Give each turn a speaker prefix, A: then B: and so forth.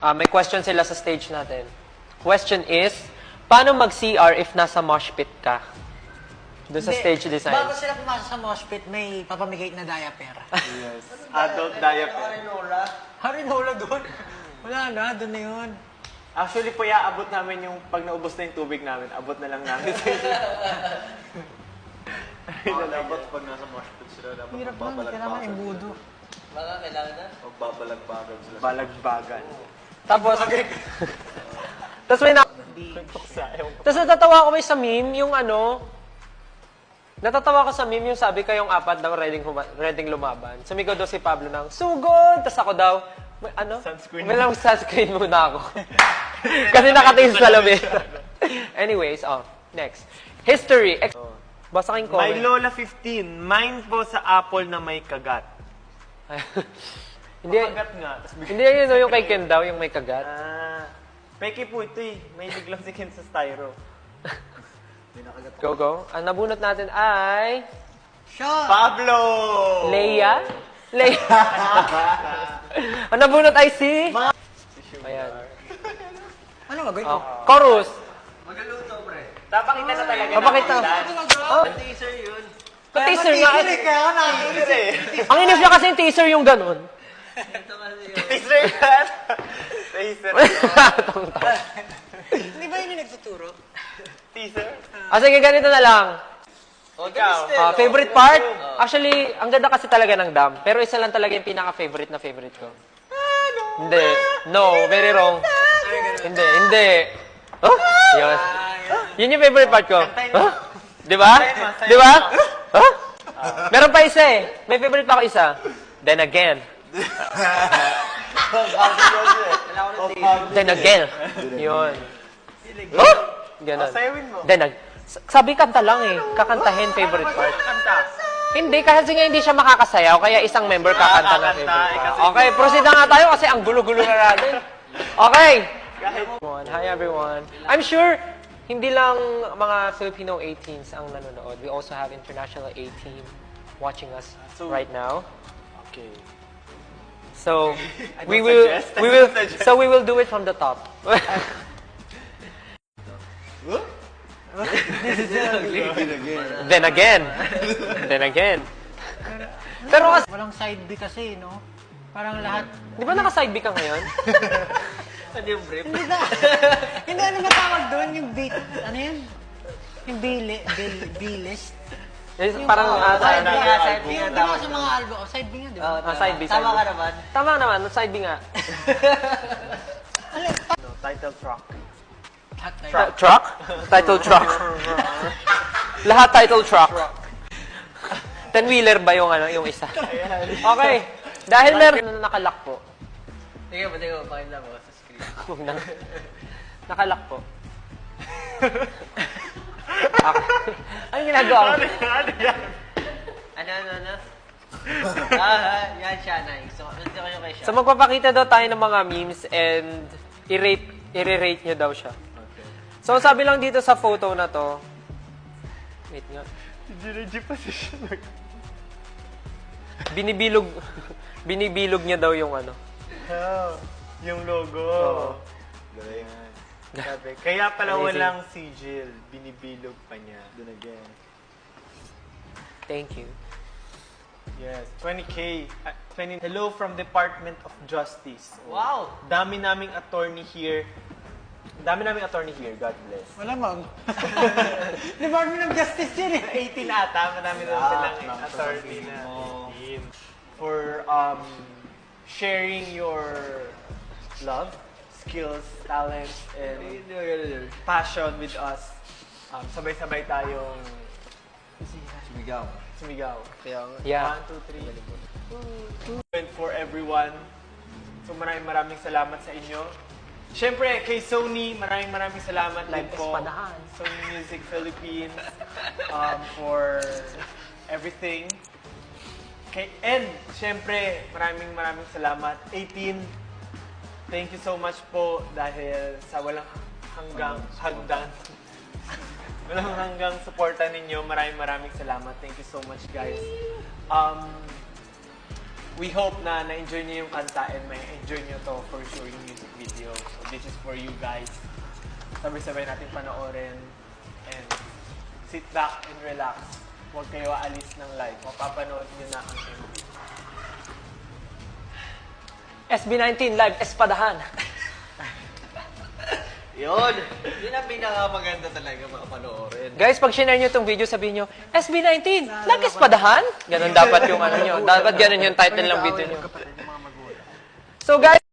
A: May question sila sa stage natin. Question is, paano mag-CR if nasa mosh pit ka? Doon sa stage design.
B: Bago sila pumasok sa mosh pit, may papamigay na diaper.
C: Yes. Adult diaper.
B: Harinola doon. Wala na, doon na yun.
C: Actually po, abot namin yung pag naubos na yung tubig namin, abot na lang namin sa inyo.
D: Dapat pag nasa mosh pit sila, dapat
B: Hirap lang, kailangan imbudo.
E: Baka kailangan na?
D: magbabalagbagan sila.
C: Balagbagan.
A: Tapos, tapos may Tapos natatawa ko may sa meme, yung ano, natatawa ko sa meme yung sabi kayong apat daw ready lumaban. Sumigaw daw si Pablo ng, sugod! Tapos ako daw, may ano?
C: Sunscreen.
A: May lang sunscreen muna ako. Kasi nakatingin sa labi. Anyways, next. History. Basa kayong comment.
C: My Lola 15, mine po sa apple na may kagat.
A: Hindi,
C: Kagat nga. Tas bigla-
A: hindi yun yung kay Ken daw, yung may kagat.
C: Peke po ito eh. May biglang si Ken sa styro.
A: Go, go. Ang nabunot natin ay...
B: Shot!
C: Pablo!
A: Leia? Leia. Ang nabunot ay si... Ayan.
B: Ano gagawin ko?
A: Chorus.
E: Magaluto, pre.
C: Papakita na talaga.
A: Papakita.
E: Teaser yun.
A: Pa-teaser nga.
B: Kaya ako nakikinig eh.
A: Ang inis niya kasi yung teaser yung ganun.
E: Ito kasi yun.
C: Teaser yan. Teaser.
B: Hindi ba yun yung nagtuturo?
C: Teaser.
A: Sige, ganito na lang.
C: Ikaw.
A: Favorite part? Actually, ang ganda kasi talaga ng dam. Pero isa lang talaga yung pinaka-favorite na favorite ko. Hindi. No, very wrong. Hindi, hindi. Oh? Yun. Yun yung favorite part ko. Huh? Di ba? Di ba? Huh? Meron pa isa eh. May favorite pa ako isa. Then again. Then again. Yun. Oh? Ganun.
C: Sayawin mo.
A: Then sabi kanta lang eh. Kakantahin favorite part.
C: Kanta.
A: Hindi, kasi nga hindi siya makakasayaw, kaya isang member kakanta ng favorite part. Okay, proceed na nga tayo kasi ang gulo-gulo na natin. Okay. Hi everyone. I'm sure hindi lang mga Filipino A-teens ang nanonood. We also have international A-team watching us right now.
C: Okay.
A: So we
C: suggest.
A: will do it from the top. Then again. Then again. Pero kasi,
B: Walang side B kasi, no? Parang lahat...
A: di ba naka-side B ka ngayon?
E: Ano yung brief?
B: Hindi na. Hindi, ano matawag doon? Yung beat... Ano yun? Yung B-list?
A: Parang
E: Side B nga, side B
B: Yung
E: nga.
B: ginawa sa mga album. Oh, side B nga, di ba?
A: side B, side
E: Tama
A: B.
E: ka naman.
A: Tama naman, side B nga.
C: Title track.
A: Truck? Title truck. Lahat title truck. 10-wheeler ba yung yung isa? Okay. Dahil meron na nakalock po.
E: Sige ba, pakita mo sa screen.
A: Huwag na. Nakalock po. Okay. Anong ginagawa ko?
E: Ano? Yan siya, nice. So, nandito kayo kay siya.
A: So magpapakita daw tayo ng mga memes and i-rate nyo daw siya. So sabi lang dito sa photo na to, wait nga,
C: G position.
A: binibilog niya daw yung ano.
C: Yung logo.
D: Galing.
C: Sabi, kaya pala
A: Amazing.
C: walang sigil. Binibilog pa niya.
D: Then again.
A: Thank you.
C: Yes, 20K. 20. Hello from Department of Justice.
E: Wow!
C: Dami naming attorney here. God bless.
B: Malamang. Department of Justice yun eh.
C: 18 ata, madami na silang attorney na team. For sharing your love, skills, talents, and passion with us. Sabay-sabay tayong sumigaw. Kaya,
A: Yeah.
C: 1, 2, 3. And for everyone, so maraming salamat sa inyo. Siyempre, kay Sony, maraming salamat din po.
A: Espadahan.
C: Sony Music Philippines for everything. And, siyempre, maraming salamat. 18, thank you so much po dahil sa walang hanggang suporta ninyo. Maraming salamat. Thank you so much, guys. We hope na na-enjoy niyo yung kanta and may enjoy niyo to for sure yung music video. this is for you guys. Sabay-sabay natin panoorin. And sit back and relax. Huwag kayo aalis ng live. Mapapanood nyo na ang MV.
A: SB19 Live Espadahan.
E: Yun. Yun ang pinakamaganda talaga mga panoorin.
A: Guys, pag share nyo itong video, sabihin nyo, SB19, Live Espadahan? Ganun dapat yung ano nyo. Dapat ganun yung title ng video nyo. So guys,